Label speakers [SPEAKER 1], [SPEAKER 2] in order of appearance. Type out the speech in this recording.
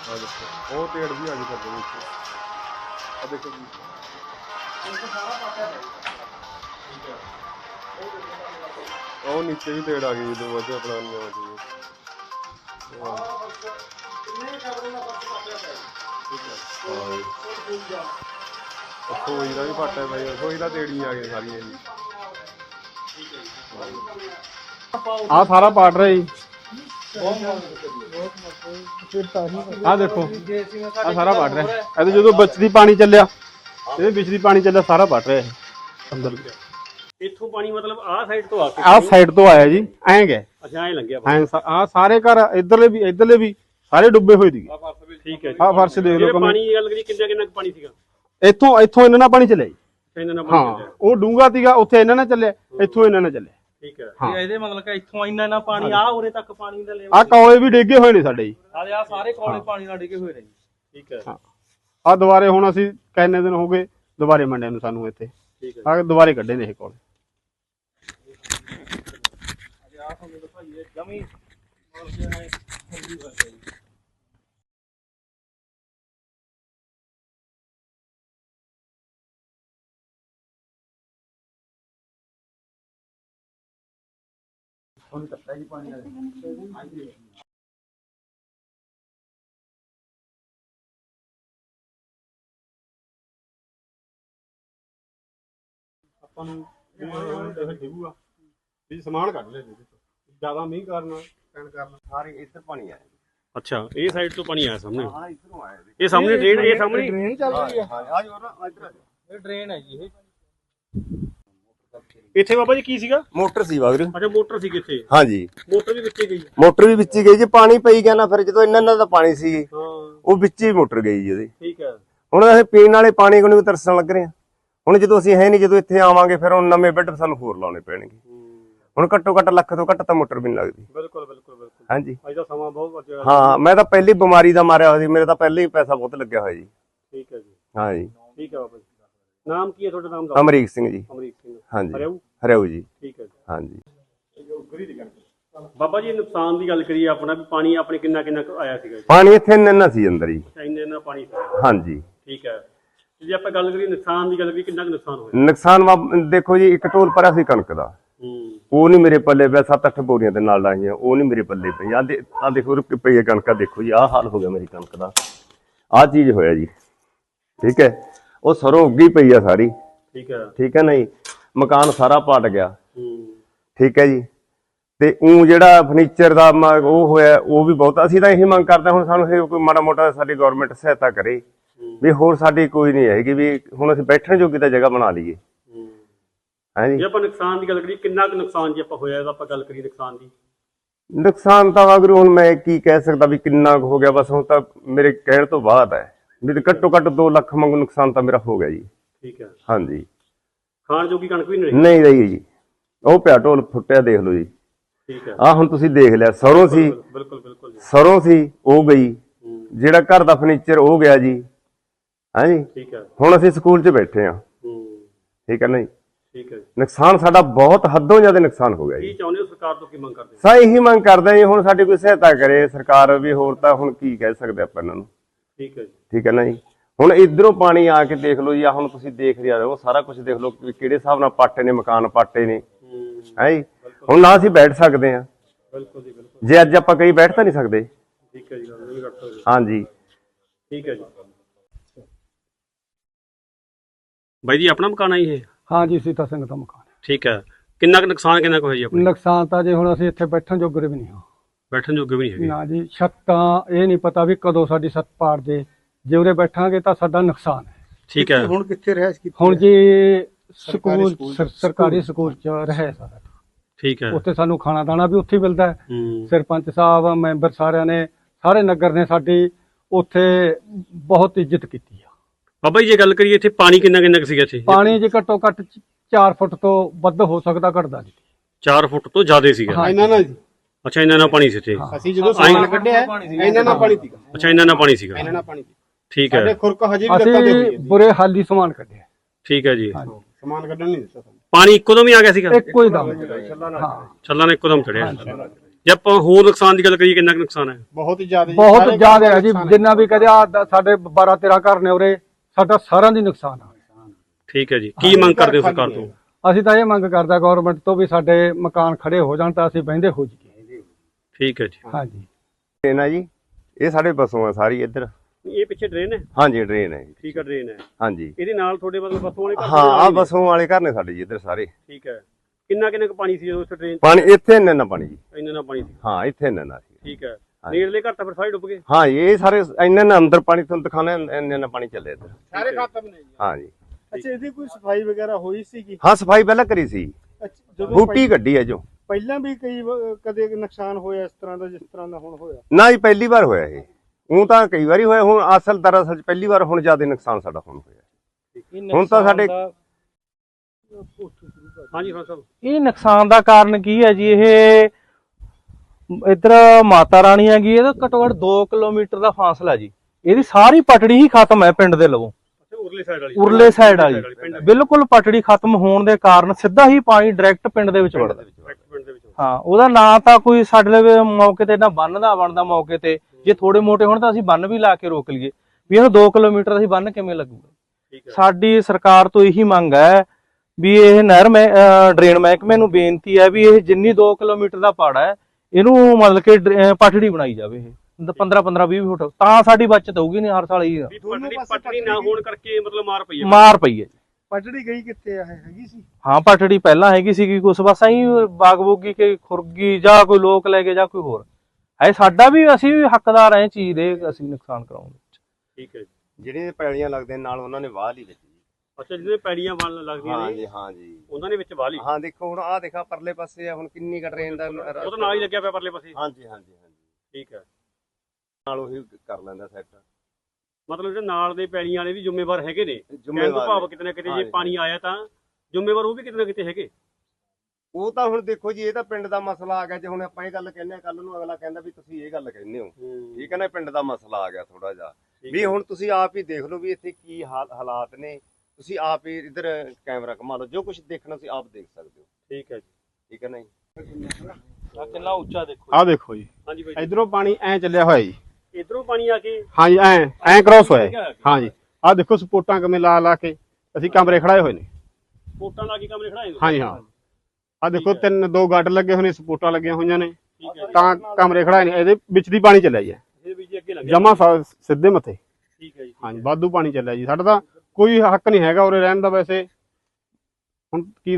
[SPEAKER 1] देखो वो पेड़ भी आगे कर दो देखो जी ਉਹ ਨੀਚੇ ਵੀ ਤੇੜ ਆ ਗਈ ਜਦੋਂ ਵਜੇ ਆਪਣਾ ਨਹੀਂ ਆ ਗਈ ਰਸੋਈ ਦਾ ਵੀ ਫੱਟ ਹੈ ਬਾਈ ਰਸੋਈ ਦਾ ਤੇੜੀ ਆ ਗਈ ਸਾਰੀਆਂ ਜੀ ਆ ਸਾਰਾ ਪਾਟ ਰਿਹਾ ਜੀ ਆ ਦੇਖੋ ਆ ਸਾਰਾ ਪਾਟ ਰਿਹਾ ਇਹਦੇ ਜਦੋਂ ਬਚਦੀ ਪਾਣੀ ਚੱਲਿਆ ਇਹਦੇ ਵਿੱਚ ਦੀ ਪਾਣੀ ਚੱਲਿਆ ਸਾਰਾ ਪਾਟ ਰਿਹਾ ਅੰਦਰ
[SPEAKER 2] ਇੱਥੋਂ ਪਾਣੀ ਮਤਲਬ ਆਹ ਸਾਈਡ ਤੋਂ ਆ ਕੇ
[SPEAKER 1] ਆਹ ਸਾਈਡ ਤੋਂ ਆਇਆ ਜੀ ਐਂ ਗਏ
[SPEAKER 2] ਅੱਛਾ ਐ ਲੰਘਿਆ
[SPEAKER 1] ਆ ਸਾਰੇ ਘਰ ਇਧਰਲੇ ਵੀ ਸਾਰੇ ਡੁੱਬੇ ਹੋਏ ਸੀਗੇ
[SPEAKER 2] ਠੀਕ ਹੈ ਜੀ
[SPEAKER 1] ਆਹ ਫਰਸ਼ ਦੇਖ ਲਓ
[SPEAKER 2] ਪਾਣੀ ਦੀ ਗੱਲ ਕਰੀ ਕਿੰਨਾ ਪਾਣੀ ਸੀਗਾ
[SPEAKER 1] ਇੱਥੋਂ ਇਹਨਾਂ ਨਾਲ ਪਾਣੀ ਚੱਲਿਆ ਜੀ
[SPEAKER 2] ਇਹਨਾਂ ਨਾਲ ਪਾਣੀ ਚੱਲਿਆ
[SPEAKER 1] ਉਹ ਡੂੰਗਾ ਸੀਗਾ ਉੱਥੇ ਇਹਨਾਂ ਨਾਲ ਚੱਲਿਆ ਇੱਥੋਂ ਇਹਨਾਂ ਨਾਲ ਚੱਲਿਆ
[SPEAKER 2] ਠੀਕ ਹੈ ਇਹਦੇ ਮਤਲਬ ਕਿ ਇੱਥੋਂ ਇੰਨਾ ਪਾਣੀ ਆ ਉਰੇ ਤੱਕ ਪਾਣੀ ਦਾ ਲੈਵਲ
[SPEAKER 1] ਆ ਕੌਲੇ ਵੀ ਡੇਗੇ ਹੋਏ ਨੇ ਸਾਡੇ ਜੀ
[SPEAKER 2] ਆ ਸਾਰੇ ਕੌਲੇ ਪਾਣੀ ਨਾਲ ਡਿੱਗੇ ਹੋਏ ਨੇ ਜੀ ਠੀਕ ਹੈ
[SPEAKER 1] ਆ ਦੁਬਾਰੇ ਹੁਣ ਅਸੀਂ ਕਿੰਨੇ ਦਿਨ ਹੋ ਗਏ ਦੁਬਾਰੇ ਮੰਡਿਆਂ ਨੂੰ ਸਾਨੂੰ ਇੱਥੇ
[SPEAKER 2] ਠੀਕ ਹੈ
[SPEAKER 1] ਆ ਦੁਬਾਰੇ ਕੱਢੇ ਨੇ ਇਹ ਕੌਲੇ
[SPEAKER 2] ਆ ਤੁਹਾਨੂੰ ਦਿਖਾਈਏ ਜਮੀ ਮਤਲਬ ਕਿ ਹੈ ਹੁੰਦੀ ਵਰਗਾ ਜੀ ਹੁਣ ਕੱਟਾ ਜੀ ਪਾਣੀ ਵਾਲੇ
[SPEAKER 1] ਆਪਾਂ ਨੂੰ ਡਿੱਗੂਗਾ ਵੀ ਸਮਾਨ ਕੱਢ ਲੈ ਜਿਆਦਾ ਮੀਂਹ ਕਰਨਾ
[SPEAKER 3] ਸਾਰੇ ਇੱਧਰ ਪਾਣੀ ਆਇਆ
[SPEAKER 2] ਅੱਛਾ ਇਹ ਸਾਈਡ ਤੋਂ ਪਾਣੀ ਆਇਆ ਸਾਹਮਣੇ
[SPEAKER 3] ਹਾਂ ਇੱਧਰੋਂ ਆਇਆ
[SPEAKER 2] ਇਹ ਸਾਹਮਣੇ ਡਰੇਨ ਇਹ ਸਾਹਮਣੇ
[SPEAKER 1] ਡਰੇਨ ਚੱਲ ਰਹੀ ਹੈ
[SPEAKER 3] ਆ ਜੋ ਨਾ ਇੱਧਰ
[SPEAKER 2] ਇਹ ਡਰੇਨ ਹੈ ਜੀ ਇਹ ਇੱਥੇ ਬਾਬਾ ਜੀ ਕੀ ਸੀਗਾ
[SPEAKER 3] ਮੋਟਰ ਸੀ ਵਾਗਰੂ
[SPEAKER 2] ਅੱਛਾ ਮੋਟਰ ਸੀ ਕਿੱਥੇ
[SPEAKER 3] ਹਾਂਜੀ
[SPEAKER 2] ਮੋਟਰ ਵੀ ਵਿੱਚੇ ਗਈ
[SPEAKER 3] ਮੋਟਰ ਵੀ ਵਿੱਚ ਹੀ ਗਈ ਜੀ ਪਾਣੀ ਪਈ ਗਿਆ ਨਾ ਫਿਰ ਜਦੋਂ ਇੰਨਾ ਦਾ ਪਾਣੀ ਸੀ
[SPEAKER 2] ਹਾਂ
[SPEAKER 3] ਉਹ ਵਿੱਚ ਹੀ ਮੋਟਰ ਗਈ ਜੀ ਉਹਦੀ
[SPEAKER 2] ਠੀਕ ਹੈ
[SPEAKER 3] ਹੁਣ ਅਸੀਂ ਪੀਣ ਵਾਲੇ ਪਾਣੀ ਕੋਲ ਤਰਸਣ ਲੱਗ ਰਹੇ ਹਾਂ ਹੁਣ ਜਦੋਂ ਅਸੀਂ ਹੈ ਨਹੀਂ ਜਦੋਂ ਇੱਥੇ ਆਵਾਂਗੇ ਫਿਰ ਹੁਣ ਨਵੇਂ ਬੈੱਡ ਸਾਨੂੰ ਹੋਰ ਲਾਉਣੇ ਪੈਣਗੇ ਹੁਣ ਘੱਟੋ ਘੱਟ ਲੱਖ ਤੋਂ ਘੱਟ ਤਾਂ ਮੋਟਰ ਵੀ ਨਹੀਂ ਲੱਗਦੀ
[SPEAKER 2] ਬਿਲਕੁਲ ਬਿਲਕੁਲ ਬਿਲਕੁਲ
[SPEAKER 3] ਹਾਂਜੀ
[SPEAKER 2] ਅੱਜ ਦਾ ਸਮਾਂ ਬਹੁਤ ਬਚਿਆ
[SPEAKER 3] ਹਾਂ ਮੈਂ ਤਾਂ ਪਹਿਲੀ ਬਿਮਾਰੀ ਦਾ ਮਾਰਿਆ ਹੋਇਆ ਸੀ ਮੇਰੇ ਤਾਂ ਪਹਿਲੇ ਹੀ ਪੈਸਾ ਬਹੁਤ ਲੱਗਿਆ ਹੋਇਆ ਜੀ
[SPEAKER 2] ਠੀਕ ਹੈ ਜੀ
[SPEAKER 3] ਹਾਂ ਜੀ
[SPEAKER 2] ਠੀਕ ਹੈ ਬਾਬਾ ਜੀ ਨਾਮ ਕੀ ਹੈ ਤੁਹਾਡਾ ਨਾਮ ਦੱਸੋ
[SPEAKER 3] ਅਮਰੀਕ ਸਿੰਘ ਜੀ
[SPEAKER 2] ਅਮਰੀਕ ਸਿੰਘ
[SPEAKER 3] ਹਾਂਜੀ
[SPEAKER 2] ਹਰਿਆਊ
[SPEAKER 3] ਹਰਿਆਊ ਜੀ
[SPEAKER 2] ਠੀਕ ਹੈ ਜੀ
[SPEAKER 3] ਹਾਂਜੀ
[SPEAKER 2] ਬਾਬਾ ਜੀ ਨੁਕਸਾਨ ਦੀ ਗੱਲ ਕਰੀਏ ਆਪਣਾ ਵੀ ਪਾਣੀ ਆਪਣੇ ਕਿੰਨਾ ਆਇਆ ਸੀਗਾ ਜੀ
[SPEAKER 3] ਪਾਣੀ ਇੱਥੇ ਇੰਨਾ ਸੀ ਅੰਦਰ ਜੀ
[SPEAKER 2] ਇੰਨਾ ਪਾਣੀ ਸੀ
[SPEAKER 3] ਹਾਂਜੀ
[SPEAKER 2] ਠੀਕ ਹੈ ਜੇ ਆਪਾਂ ਗੱਲ ਕਰੀਏ ਨੁਕਸਾਨ ਦੀ ਗੱਲ ਕਰੀਏ ਕਿੰਨਾ ਕੁ ਨੁਕਸਾਨ ਹੋਇਆ
[SPEAKER 3] ਨੁਕਸਾਨ ਦੇਖੋ ਜੀ ਇੱਕ ਢੋਲ ਭਰਿਆ ਸੀ ਕਣਕ ਦਾ ਉਹ ਨਹੀਂ ਮੇਰੇ ਪੱਲੇ ਪਿਆ 7-8 ਬੋਰੀਆਂ ਦੇ ਨਾਲ ਲਾਈਆਂ ਉਹ ਨਹੀਂ ਮੇਰੇ ਪੱਲੇ ਪਈ ਆ ਦੇਖੋ ਰੁਕ ਪਈ ਹੈ ਕਣਕਾਂ ਦੇਖੋ ਜੀ ਆਹ ਹਾਲ ਹੋ ਗਿਆ ਮੇਰੀ ਕਣਕ ਦਾ ਆਹ ਚੀਜ਼ ਹੋਇਆ ਜੀ ਠੀਕ ਹੈ ਉਹ ਸਰੋਂ ਉੱਗੀ ਪਈ ਆ ਸਾਰੀ ਠੀਕ ਹੈ ਨਹੀਂ ਮਕਾਨ ਸਾਰਾ ਪਾਟ ਗਿਆ ਠੀਕ ਹੈ ਜੀ ਤੇ ਉਹ ਜਿਹੜਾ ਫਰਨੀਚਰ ਦਾ ਉਹ ਹੋਇਆ ਉਹ ਵੀ ਬਹੁਤ ਅਸੀਂ ਤਾਂ ਇਹੀ ਮੰਗ ਕਰਦੇ ਹੁਣ ਸਾਨੂੰ ਇਹ ਕੋਈ ਮਾੜਾ ਮੋਟਾ ਸਾਡੀ ਗਵਰਨਮੈਂਟ ਸਹਾਇਤਾ ਕਰੇ ਵੀ ਹੋਰ ਸਾਡੀ ਕੋਈ ਨਹੀਂ ਹੈਗੀ ਵੀ ਹੁਣ ਅਸੀਂ ਬੈਠਣ ਜੋਗੀ ਤਾਂ ਜਗ੍ਹਾ ਬਣਾ ਲਈਏ ਹਾਂਜੀ
[SPEAKER 2] ਜੇ ਆਪਾਂ ਨੁਕਸਾਨ ਦੀ ਗੱਲ ਕਰੀਏ ਕਿੰਨਾ ਕੁ ਨੁਕਸਾਨ ਜੇ ਆਪਾਂ ਹੋਇਆ ਤਾਂ ਆਪਾਂ ਗੱਲ ਕਰੀਏ ਨੁਕਸਾਨ ਦੀ
[SPEAKER 3] ਨੁਕਸਾਨ ਤਾਂ ਵਾਗਰੂ ਹੁਣ ਮੈਂ ਕੀ ਕਹਿ ਸਕਦਾ ਵੀ ਕਿੰਨਾ ਹੋ ਗਿਆ ਬਸ ਹੁਣ ਤਾਂ ਮੇਰੇ ਕਹਿਣ ਤੋਂ ਬਾਅਦ ਹੈ ਵੀ ਘੱਟੋ ਘੱਟ 2 ਲੱਖ ਵਾਂਗੂ ਨੁਕਸਾਨ ਤਾਂ ਮੇਰਾ ਹੋ ਗਿਆ ਜੀ
[SPEAKER 2] ਠੀਕ ਹੈ
[SPEAKER 3] ਹਾਂਜੀ
[SPEAKER 2] ਖਾਣ ਜੋਗੀ ਕਣਕ ਵੀ
[SPEAKER 3] ਨਹੀਂ ਰਹੀ ਜੀ ਉਹ ਪਿਆ ਢੋਲ ਫੁੱਟਿਆ ਦੇਖ ਲਓ ਜੀ
[SPEAKER 2] ਠੀਕ ਹੈ
[SPEAKER 3] ਆਹ ਹੁਣ ਤੁਸੀਂ ਦੇਖ ਲਿਆ ਸਰੋਂ ਸੀ
[SPEAKER 2] ਬਿਲਕੁਲ ਬਿਲਕੁਲ
[SPEAKER 3] ਸਰੋਂ ਸੀ ਉਹ ਗਈ ਜਿਹੜਾ ਘਰ ਦਾ ਫਰਨੀਚਰ ਉਹ ਗਿਆ ਜੀ ਹਾਂਜੀ
[SPEAKER 2] ਠੀਕ ਹੈ
[SPEAKER 3] ਹੁਣ ਅਸੀਂ ਸਕੂਲ 'ਚ ਬੈਠੇ ਹਾਂ ਠੀਕ ਹੈ ਨਹੀਂ
[SPEAKER 2] ਠੀਕ ਹੈ
[SPEAKER 3] ਨੁਕਸਾਨ ਸਾਡਾ ਬਹੁਤ ਹੱਦੋਂ ਜ਼ਿਆਦਾ ਨੁਕਸਾਨ ਹੋ ਗਿਆ ਜੀ
[SPEAKER 2] ਕੀ ਚਾਹੁੰਦੇ ਹੋ ਸਰਕਾਰ ਤੋਂ ਕੀ ਮੰਗ ਕਰਦੇ
[SPEAKER 3] ਸਾ ਇਹੀ ਮੰਗ ਕਰਦੇ ਜੀ ਹੁਣ ਸਾਡੀ ਕੋਈ ਸਹਾਇਤਾ ਕਰੇ ਸਰਕਾਰ ਵੀ ਹੋਰ ਤਾਂ ਹੁਣ ਕੀ ਕਹਿ ਸਕਦੇ ਆਪਾਂ ਇਹਨਾਂ ਨੂੰ
[SPEAKER 2] ਠੀਕ ਹੈ ਜੀ
[SPEAKER 3] ਠੀਕ ਹੈ ਨਾ ਜੀ ਹੁਣ ਇਧਰੋਂ ਪਾਣੀ ਆ ਕੇ ਦੇਖ ਲਓ ਜੀ ਆ ਹੁਣ ਤੁਸੀਂ ਦੇਖ ਰਿਹਾ ਹੋ ਸਾਰਾ ਕੁਝ ਦੇਖ ਲਓ ਕਿਹੜੇ ਹਿਸਾਬ ਨਾਲ ਪਾਟੇ ਨੇ ਮਕਾਨ ਪਾਟੇ ਨੇ ਹੈ ਜੀ ਹੁਣ ਨਾ ਅਸੀਂ ਬੈਠ ਸਕਦੇ ਹਾਂ
[SPEAKER 2] ਬਿਲਕੁਲ ਜੀ ਬਿਲਕੁਲ
[SPEAKER 3] ਜੇ ਅੱਜ ਆਪਾਂ ਕਈ ਬੈਠ ਤਾਂ ਨਹੀਂ ਸਕਦੇ
[SPEAKER 2] ਠੀਕ ਹੈ ਜੀ ਨਹੀਂ ਕਰ ਸਕਦੇ
[SPEAKER 3] ਹਾਂਜੀ
[SPEAKER 2] ਠੀਕ ਹੈ ਜੀ ਬਾਈ ਜੀ ਆਪਣਾ ਮਕਾਨ ਹੈ ਇਹ
[SPEAKER 1] ਹਾਂ ਜੀ ਸੀਤਾ ਸਿੰਘ ਦਾ ਮਕਾਨ
[SPEAKER 2] ਠੀਕ ਹੈ ਕਿੰਨਾ ਕੁ ਨੁਕਸਾਨ ਕਿੰਨਾ ਕੁ ਹੋਇਆ ਜੀ ਆਪਣਾ
[SPEAKER 1] ਨੁਕਸਾਨ ਤਾਂ ਜੇ ਹੁਣ ਅਸੀਂ ਇੱਥੇ ਬੈਠਣ ਜੋਗਰੇ ਵੀ ਨਹੀਂ ਹਾਂ
[SPEAKER 2] ਬੈਠਣ ਜੋਗੇ ਵੀ ਨਹੀਂ ਹੈਗੇ
[SPEAKER 1] ਨਾ ਜੀ ਛੱਤਾਂ ਇਹ ਨਹੀਂ ਪਤਾ ਵੀ ਕਦੋਂ ਸਾਡੀ ਛੱਤ ਪਾੜ ਦੇ ਜੇ ਉਰੇ ਬੈਠਾਂਗੇ ਤਾਂ ਸਾਡਾ ਨੁਕਸਾਨ ਹੈ
[SPEAKER 2] ਠੀਕ ਹੈ
[SPEAKER 3] ਹੁਣ ਕਿੱਥੇ ਰਹਿਸ਼ ਕੀਤੀ
[SPEAKER 1] ਹੁਣ ਜੀ ਸਕੂਲ ਸਰਕਾਰੀ ਸਕੂਲ ਚ ਰਹੇ ਸਾਰਾ
[SPEAKER 2] ਠੀਕ ਹੈ
[SPEAKER 1] ਉੱਥੇ ਸਾਨੂੰ ਖਾਣਾ ਦਾਣਾ ਵੀ ਉੱਥੇ ਮਿਲਦਾ ਹੈ ਸਰਪੰਚ ਸਾਹਿਬ ਮੈਂਬਰ ਸਾਰਿਆਂ ਨੇ ਸਾਰੇ ਨਗਰ ਨੇ ਸਾਡੀ ਉੱਥੇ ਬਹੁਤ ਇੱਜ਼ਤ ਕੀਤੀ ਆ
[SPEAKER 2] ਬਾਬਾ ਜੀ ਜੇ ਗੱਲ ਕਰੀਏ ਇੱਥੇ ਪਾਣੀ ਕਿੰਨਾ ਕੁ ਸੀਗਾ ਇੱਥੇ
[SPEAKER 1] ਪਾਣੀ ਜੇ ਘੱਟੋ ਘੱਟ 4 ਫੁੱਟ ਤੋਂ ਵੱਧ ਹੋ ਸਕਦਾ ਘਟਦਾ ਨਹੀਂ
[SPEAKER 2] 4 ਫੁੱਟ ਤੋਂ ਜ਼ਿਆਦਾ ਸੀਗਾ
[SPEAKER 1] ਇਹਨਾਂ ਨਾਲ ਜੀ
[SPEAKER 2] ਅੱਛਾ ਇਹਨਾਂ ਨਾਲ ਪਾਣੀ ਸੀ ਇੱਥੇ
[SPEAKER 1] ਅਸੀਂ ਜਦੋਂ ਸਮਾਨ ਕੱਢਿਆ ਇਹਨਾਂ ਨਾਲ ਪਾਣੀ ਸੀਗਾ
[SPEAKER 2] ਅੱਛਾ ਇਹਨਾਂ ਨਾਲ ਪਾਣੀ ਸੀਗਾ
[SPEAKER 1] ਇਹਨਾਂ ਨਾਲ ਪਾਣੀ
[SPEAKER 2] ਠੀਕ ਹੈ
[SPEAKER 1] ਖੁਰਕ ਹਜੇ ਵੀ ਲੱਤਾਂ ਦੇ ਹੋਈ ਬੁਰੇ ਹਾਲੀ ਸਮਾਨ ਕੱਢਿਆ
[SPEAKER 2] ਠੀਕ ਹੈ ਜੀ
[SPEAKER 1] ਸਮਾਨ ਕੱਢਣ ਨਹੀਂ ਦਿੱਤਾ
[SPEAKER 2] ਪਾਣੀ ਇੱਕੋ ਦਮ ਹੀ ਆ ਗਿਆ ਸੀਗਾ
[SPEAKER 1] ਇੱਕੋ ਹੀ ਦਮ
[SPEAKER 2] ਛੱਲਾਂ ਨੇ ਇੱਕੋ ਦਮ ਚੜਿਆ
[SPEAKER 4] ਜੇ ਆਪਾਂ ਹੋਰ ਨੁਕਸਾਨ ਦੀ ਗੱਲ ਕਰੀਏ ਕਿੰਨਾ ਕੁ ਨੁਕਸਾਨ ਹੈ?
[SPEAKER 2] ਬਹੁਤ ਹੀ ਜ਼ਿਆਦਾ
[SPEAKER 1] ਬਹੁਤ ਜ਼ਿਆਦਾ ਹੈ ਜੀ, ਜਿੰਨਾ ਵੀ ਕਹਦੇ ਆ ਸਾਡੇ 12-13 ਘਰ ਨੇ ਉਰੇ, ਸਾਡਾ ਸਾਰਿਆਂ ਦੀ ਨੁਕਸਾਨ ਆ।
[SPEAKER 4] ਠੀਕ ਹੈ ਜੀ, ਕੀ ਮੰਗ ਕਰਦੇ ਹੋ ਸਰਕਾਰ ਤੋਂ?
[SPEAKER 1] ਅਸੀਂ ਤਾਂ ਇਹ ਮੰਗ ਕਰਦਾ ਗਵਰਨਮੈਂਟ ਤੋਂ ਵੀ ਸਾਡੇ ਮਕਾਨ ਖੜੇ ਹੋ ਜਾਣ ਤਾਂ ਅਸੀਂ ਬਹਿੰਦੇ ਹੋ ਜਾਈਏ।
[SPEAKER 4] ਠੀਕ ਹੈ ਜੀ।
[SPEAKER 1] ਹਾਂਜੀ
[SPEAKER 3] ਡਰੇਨ ਆ ਜੀ, ਇਹ ਸਾਡੇ ਬਸੋਂ ਆ ਸਾਰੀ ਇੱਧਰ।
[SPEAKER 4] ਇਹ ਪਿੱਛੇ ਡਰੇਨ ਹੈ?
[SPEAKER 3] ਹਾਂਜੀ ਡਰੇਨ ਹੈ ਜੀ।
[SPEAKER 4] ਠੀਕ ਹੈ, ਡਰੇਨ ਹੈ।
[SPEAKER 3] ਹਾਂਜੀ
[SPEAKER 4] ਇਹਦੇ ਨਾਲ ਤੁਹਾਡੇ ਮਤਲਬ ਬੱਸੋਂ ਵਾਲੇ ਘਰ?
[SPEAKER 3] ਹਾਂ ਆ ਬਸੋਂ ਵਾਲੇ ਘਰ ਨੇ ਸਾਡੇ ਜੀ ਇੱਧਰ ਸਾਰੇ।
[SPEAKER 4] ਠੀਕ ਹੈ, ਕਿੰਨਾ ਕੁ ਪਾਣੀ ਸੀ ਜਦੋਂ ਉਸ ਟ੍ਰੇਨ?
[SPEAKER 3] ਪਾਣੀ ਇੱਥੇ ਇੰਨਾ ਨਾ ਪਾਣੀ ਜੀ।
[SPEAKER 4] ਇੰਨਾ ਨਾ ਪਾਣੀ ਸੀ?
[SPEAKER 3] ਹਾਂ ਇੱਥੇ ਇੰਨਾ ਨਾ ਸੀ।
[SPEAKER 4] ਠੀਕ ਹੈ, ਨੇੜਲੇ ਘਰ ਤਾਂ ਫਿਰ ਸਾਰੇ ਡੁੱਬ ਗਏ?
[SPEAKER 3] ਹਾਂ ਇਹ ਸਾਰੇ ਇੰਨਾ ਨਾ ਅੰਦਰ ਪਾਣੀ ਤੁਹਾਨੂੰ ਦਿਖਾਣਾ, ਇੰਨਾ ਨਾ ਪਾਣੀ ਚੱਲੇ ਇੱਧਰ
[SPEAKER 2] ਸਾਰੇ ਖਤਮ ਨੇ ਜੀ।
[SPEAKER 3] ਹਾਂ ਜੀ।
[SPEAKER 2] ਅੱਛਾ, ਇਹਦੀ ਕੋਈ ਸਫਾਈ ਵਗੈਰਾ ਹੋਈ ਸੀਗੀ?
[SPEAKER 3] ਹਾਂ ਸਫਾਈ ਪਹਿਲਾਂ ਕਰੀ ਸੀ,
[SPEAKER 2] ਜਦੋਂ
[SPEAKER 3] ਬੂਟੀ ਕੱਢੀ ਹੈ ਜੋ।
[SPEAKER 2] ਪਹਿਲਾਂ ਵੀ ਕਦੇ ਨੁਕਸਾਨ ਹੋਇਆ ਇਸ ਤਰ੍ਹਾਂ ਦਾ ਜਿਸ ਤਰ੍ਹਾਂ ਦਾ ਹੁਣ ਹੋਇਆ?
[SPEAKER 3] ਨਾ ਜੀ ਪਹਿਲੀ ਵਾਰ ਹੋਇਆ ਇਹ, ਉਹ ਤਾਂ ਕਈ ਵਾਰੀ ਹੋਇਆ, ਹੁਣ ਦਰਅਸਲ ਪਹਿਲੀ ਵਾਰ ਹੁਣ ਜ਼ਿਆਦਾ ਨੁਕਸਾਨ ਸਾਡਾ ਹੁਣ ਹੋਇਆ। ਹੁਣ ਤਾਂ ਸਾਡੇ
[SPEAKER 4] ਹਾਂਜੀ ਹਾਂ ਸਾਹਿਬ,
[SPEAKER 5] ਇਹ ਨੁਕਸਾਨ ਦਾ ਕਾਰਨ ਕੀ ਹੈ ਜੀ? ਇਹ ਇੱਧਰ ਮਾਤਾ ਰਾਣੀ ਹੈਗੀ, ਇਹਦਾ ਘੱਟੋ ਘੱਟ 2 ਕਿਲੋਮੀਟਰ ਦਾ ਫਾਸਲਾ ਜੀ। ਇਹਦੀ ਸਾਰੀ ਪਟੜੀ ਹੀ ਖਤਮ ਹੈ ਪਿੰਡ ਦੇ ਲਵੋਂ,
[SPEAKER 4] ਉਰਲੇ ਸਾਈਡ ਵਾਲੀ?
[SPEAKER 5] ਉਰਲੇ ਸਾਈਡ ਵਾਲੀ ਬਿਲਕੁਲ ਪਟੜੀ ਖਤਮ ਹੋਣ ਦੇ ਕਾਰਨ ਸਿੱਧਾ ਹੀ ਪਾਣੀ ਡਾਇਰੈਕਟ ਪਿੰਡ ਦੇ ਵਿੱਚ ਵੜਦਾ।
[SPEAKER 4] ਪਿੰਡ ਦੇ ਵਿੱਚ?
[SPEAKER 5] ਹਾਂ, ਉਹਦਾ ਨਾ ਤਾਂ ਕੋਈ ਸਾਡੇ ਲਈ ਮੌਕੇ ਤੇ ਨਾ ਬੰਨ ਦਾ ਬਣਦਾ ਮੌਕੇ ਤੇ। ਜੇ ਥੋੜੇ ਮੋਟੇ ਹੋਣ ਤਾਂ ਅਸੀਂ ਬੰਨ ਵੀ ਲਾ ਕੇ ਰੋਕ ਲਈਏ, ਵੀ ਇਹਨੂੰ 2 ਕਿਲੋਮੀਟਰ ਅਸੀਂ ਬੰਨ ਕਿਵੇਂ ਲੱਗੂਗਾ। ਸਾਡੀ ਸਰਕਾਰ ਤੋਂ ਇਹੀ ਮੰਗ ਹੈ ਵੀ ਇਹ ਡਰੇਨ ਮਹਿਕਮੇ ਨੂੰ ਬੇਨਤੀ ਹੈ ਵੀ ਇਹ ਜਿੰਨੀ 2 ਕਿਲੋਮੀਟਰ ਦਾ ਪਾੜਾ ਹੈ ਇਹਨੂੰ ਮਤਲਬ ਕਿ ਪਟੜੀ ਬਣਾਈ ਜਾਵੇ। ਇਹ 15-20 ਫੁੱਟ, ਤਾਂ ਸਾਡੀ ਬਚਤ ਹੋਊਗੀ। ਨਹੀਂ ਹਰ ਸਾਲ ਹੀ
[SPEAKER 4] ਪਟੜੀ ਨਾ ਹੋਣ ਕਰਕੇ ਮਤਲਬ
[SPEAKER 5] ਮਾਰ ਪਈ ਹੈ।
[SPEAKER 2] ਪਟੜੀ ਗਈ ਕਿੱਥੇ ਆ? ਹੈਗੀ ਸੀ?
[SPEAKER 5] ਹਾਂ ਪਟੜੀ ਪਹਿਲਾਂ ਹੈਗੀ ਸੀਗੀ, ਕੁਛ ਬਸ ਐਂ ਬਾਗ ਬੋਗੀ ਕੇ ਖੁਰਗੀ ਜਾਂ ਕੋਈ ਲੋਕ ਲੈ ਕੇ ਜਾਂ ਕੋਈ ਹੋਰ ਹੈ। ਸਾਡਾ ਵੀ, ਅਸੀਂ ਵੀ ਹੱਕਦਾਰ ਐ ਚੀਜ਼ ਦੇ, ਅਸੀਂ ਨੁਕਸਾਨ ਕਰਾਉਂਗੇ।
[SPEAKER 4] ਠੀਕ ਹੈ,
[SPEAKER 3] ਜਿਹੜੀਆਂ ਪੈਲੀਆਂ ਲੱਗਦੇ ਨਾਲ ਉਹਨਾਂ ਨੇ ਵਾਹ ਲਈ ਵਿੱਚ।
[SPEAKER 4] ਅੱਛਾ, ਜਿਹਦੇ ਪੈੜੀਆਂ ਬਣ ਲੱਗਦੀਆਂ
[SPEAKER 3] ਹਾਂ
[SPEAKER 4] ਨੇ?
[SPEAKER 3] ਜੀ ਹਾਂ ਜੀ,
[SPEAKER 4] ਉਹਨਾਂ ਦੇ ਵਿੱਚ ਵਾਹ ਲਈ?
[SPEAKER 3] ਹਾਂ ਦੇਖੋ ਹੁਣ ਆਹ ਦੇਖਾ ਪਰਲੇ ਪਾਸੇ ਆ, ਹੁਣ ਕਿੰਨੀ ਕ ਟ੍ਰੇਨ ਦਾ
[SPEAKER 4] ਉਹ ਤਾਂ ਨਾਲ ਹੀ ਲੱਗਿਆ ਪਿਆ ਪਰਲੇ ਪਾਸੇ?
[SPEAKER 3] ਹਾਂਜੀ ਹਾਂਜੀ ਹਾਂਜੀ।
[SPEAKER 4] ਠੀਕ ਹੈ,
[SPEAKER 3] ਨਾਲ ਉਹੀ ਕਰ ਲੈਂਦਾ ਸੈੱਟ।
[SPEAKER 4] ਮਤਲਬ ਜਿਹੜੇ ਨਾਲ ਦੇ ਪੈੜੀਆਂ ਵਾਲੇ ਵੀ ਜ਼ਿੰਮੇਵਾਰ ਹੈਗੇ ਨੇ?
[SPEAKER 3] ਜ਼ਿੰਮੇਵਾਰ
[SPEAKER 4] ਭਾਵ ਕਿਤੇ ਨਾ ਕਿਤੇ ਜੇ ਪਾਣੀ ਆਇਆ ਤਾਂ ਜ਼ਿੰਮੇਵਾਰ ਉਹ ਵੀ ਕਿਤੇ ਨਾ ਕਿਤੇ ਹੈਗੇ।
[SPEAKER 3] ਉਹ ਤਾਂ ਹੁਣ ਦੇਖੋ ਜੀ, ਇਹ ਤਾਂ ਪਿੰਡ ਦਾ ਮਸਲਾ ਆ ਗਿਆ। ਜੇ ਹੁਣ ਆਪਾਂ ਇਹ ਗੱਲ ਕਹਿੰਦੇ ਆ, ਕੱਲ ਨੂੰ ਅਗਲਾ ਕਹਿੰਦਾ ਵੀ ਤੁਸੀਂ ਇਹ ਗੱਲ ਕਹਿੰਦੇ ਹੋ, ਠੀਕ ਹੈ ਨਾ। ਪਿੰਡ ਦਾ ਮਸਲਾ ਆ ਗਿਆ ਥੋੜਾ ਜਿਹਾ ਵੀ। ਹੁਣ ਤੁਸੀਂ ਆਪ ਹੀ ਦੇਖ ਲਓ ਵੀ ਇੱਥੇ ਕੀ ਹਾਲਾਤ ਨੇ। ਤੁਸੀਂ ਆਪ ਹੀ ਇੱਧਰ ਕੈਮਰਾ ਘੁਮਾ ਲਓ, ਜੋ ਕੁਝ ਦੇਖਣਾ ਤੁਸੀਂ ਆਪ ਦੇਖ ਸਕਦੇ ਹੋ।
[SPEAKER 4] ਠੀਕ ਹੈ ਜੀ,
[SPEAKER 3] ਠੀਕ ਹੈ ਨਾ ਜੀ।
[SPEAKER 5] ਕਿੰਨਾ ਉੱਚਾ ਦੇਖੋ।
[SPEAKER 2] ਆਹ ਦੇਖੋ ਜੀ,
[SPEAKER 4] ਹਾਂਜੀ ਬਾਈ,
[SPEAKER 2] ਇਧਰੋਂ ਪਾਣੀ ਐ ਚੱਲਿਆ ਹੋਇਆ ਜੀ।
[SPEAKER 4] ਇਧਰੋਂ ਪਾਣੀ ਆ ਕੇ?
[SPEAKER 2] ਹਾਂਜੀ ਐ ਕ੍ਰੋਸ ਹੋਇਆ। ਹਾਂਜੀ ਆਹ ਦੇਖੋ ਸਪੋਰਟਾਂ ਕਿਵੇਂ ਲਾ ਲਾ ਕੇ ਅਸੀਂ ਕਮਰੇ ਖੜਾਏ ਹੋਏ ਨੇ।
[SPEAKER 4] ਸਪੋਰਟਾਂ ਲਾ ਕੇ ਕਮਰੇ ਖੜਾਏ?
[SPEAKER 2] ਹਾਂਜੀ ਹਾਂ, ਆਹ ਦੇਖੋ 2 ਗੱਡ ਲੱਗੇ ਹੋਏ ਨੇ, ਸਪੋਰਟਾਂ ਲੱਗੀਆਂ ਹੋਈਆਂ ਨੇ, ਤਾਂ ਕਮਰੇ ਖੜਾਏ ਨੇ। ਇਹਦੇ ਵਿੱਚ ਦੀ ਪਾਣੀ ਚੱਲਿਆ ਜੀ,
[SPEAKER 4] ਇਹਦੇ ਵਿੱਚ ਅੱਗੇ ਲੱਗ
[SPEAKER 2] ਜਮਾ ਸਿੱਧੇ ਮੱਥੇ।
[SPEAKER 4] ਠੀਕ ਹੈ ਜੀ।
[SPEAKER 2] ਹਾਂਜੀ ਵਾਧੂ ਪਾਣੀ ਚੱਲਿਆ ਜੀ। ਸਾਡਾ ਤਾਂ ਕੋਈ ਹੱਕ ਨਹੀਂ ਹੈਗਾ ਉਰੇ ਰਹਿਣ ਦਾ ਵੈਸੇ। ਹੁਣ ਕੀ